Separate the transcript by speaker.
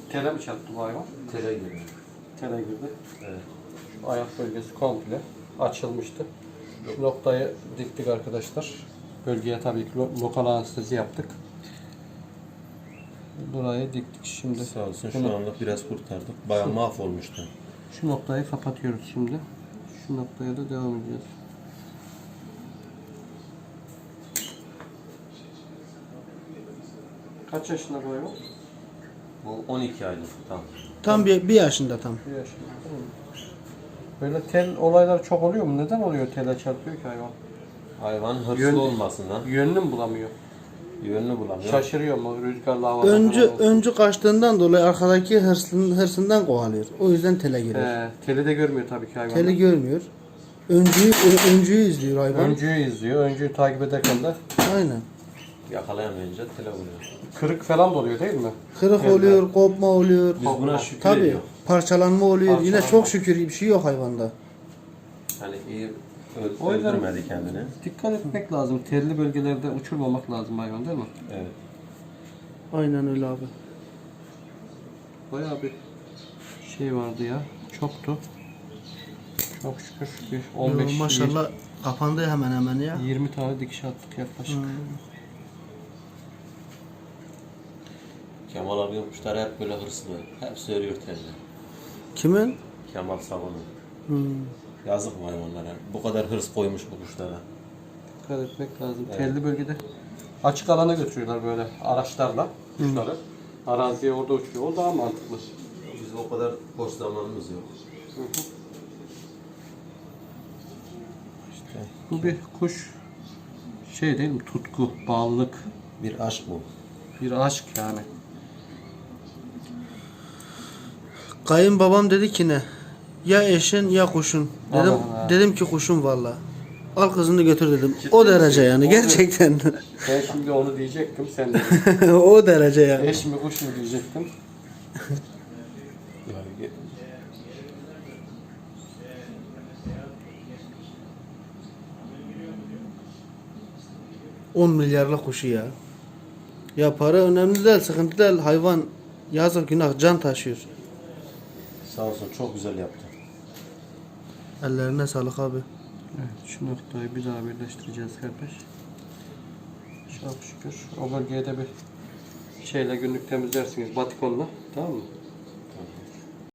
Speaker 1: Tele mi çarptı bu hayvan?
Speaker 2: Tele girdi.
Speaker 1: Tele girdi.
Speaker 2: Evet.
Speaker 1: Şu ayak bölgesi komple açılmıştı. Şu noktayı diktik arkadaşlar. Bölgeye tabii ki lokal anestezi yaptık. Burayı diktik şimdi.
Speaker 2: Sağ olsun, şu anlık biraz kurtardık. Bayağı mahvolmuştu.
Speaker 1: Şu noktayı kapatıyoruz şimdi. Şu noktaya da devam edeceğiz. Kaç yaşında bu hayvan?
Speaker 2: Bu 12 aylık tam.
Speaker 3: Tam bir yaşında tam.
Speaker 1: Bir yaşında. Tamam. Böyle tel olaylar çok oluyor mu? Neden oluyor tele çarpıyor ki hayvan?
Speaker 2: Hayvan hırslı
Speaker 1: Yön-
Speaker 2: olmasından
Speaker 1: Yönünü mü bulamıyor?
Speaker 2: yönünü bulamıyor.
Speaker 1: Şaşırıyor mu? Rüzgarlı havada
Speaker 3: Öncü kaçtığından dolayı arkadaki hırsından kovalıyor. O yüzden tele giriyor.
Speaker 1: Teli de görmüyor tabii ki hayvan.
Speaker 3: Teli görmüyor. Öncüyü izliyor hayvan.
Speaker 1: Öncüyü izliyor. Öncüyü takip ederken de
Speaker 3: Aynen.
Speaker 2: Yakalayamayınca tele vuruyor.
Speaker 1: kırık falan da oluyor değil mi?
Speaker 3: Kırık
Speaker 1: Evet.
Speaker 3: oluyor, kopma oluyor.
Speaker 2: Biz buna şükür
Speaker 3: Tabii.
Speaker 2: ediyoruz.
Speaker 3: Parçalanma oluyor. Yine
Speaker 1: Parçalanma.
Speaker 3: çok şükür bir şey yok hayvanda.
Speaker 2: Hani iyi
Speaker 1: O yüzden-
Speaker 2: öldürmedi kendini.
Speaker 1: Dikkat etmek lazım. Telli bölgelerde uçurmamak lazım hayvan değil mi?
Speaker 2: Evet.
Speaker 3: Aynen öyle abi.
Speaker 1: Bayağı bir şey vardı ya. Çoktu. Çok şükür bir 15
Speaker 3: Maşallah kapandı hemen hemen ya.
Speaker 1: 20 tane dikiş attık yaklaşık.
Speaker 2: Kemal abi kuşlar hep böyle hırslı. Hepsi örüyor telini.
Speaker 3: Kimin?
Speaker 2: Kemal Savun'un.
Speaker 3: Hmm.
Speaker 2: Yazık mı hayvanlara? Bu kadar hırs koymuş bu kuşlara.
Speaker 1: Dikkat etmek lazım.
Speaker 2: Evet.
Speaker 1: Telli bölgede açık alana götürüyorlar böyle araçlarla kuşları. Araziye orada uçuyor. O daha mantıklı.
Speaker 2: Biz o kadar boş zamanımız yok. İşte
Speaker 1: Bu bir kuş şey değil mi? Tutku, bağlılık,
Speaker 2: bir aşk bu.
Speaker 1: bir aşk yani.
Speaker 3: Kayınbabam dedi ki ne? Ya eşin ya kuşun. Dedim
Speaker 1: Allah.
Speaker 3: dedim ki kuşun valla. Al kızını götür dedim. O derece yani
Speaker 1: O
Speaker 3: gerçekten.
Speaker 1: Ben şimdi onu diyecektim. Sen de
Speaker 3: O derece yani.
Speaker 1: eş mi kuş mu diyecektim.
Speaker 2: Yani
Speaker 3: 10 milyarlık kuşu ya. Ya para önemli değil, sıkıntı değil. Hayvan yazık günah can taşıyor.
Speaker 2: sağ olsun çok güzel yaptı.
Speaker 3: Ellerine sağlık abi.
Speaker 1: Evet, şu noktayı bir daha birleştireceğiz kardeş. Çok şükür. O bölgeye de bir şeyle günlük temizlersiniz batikonla. Tamam mı?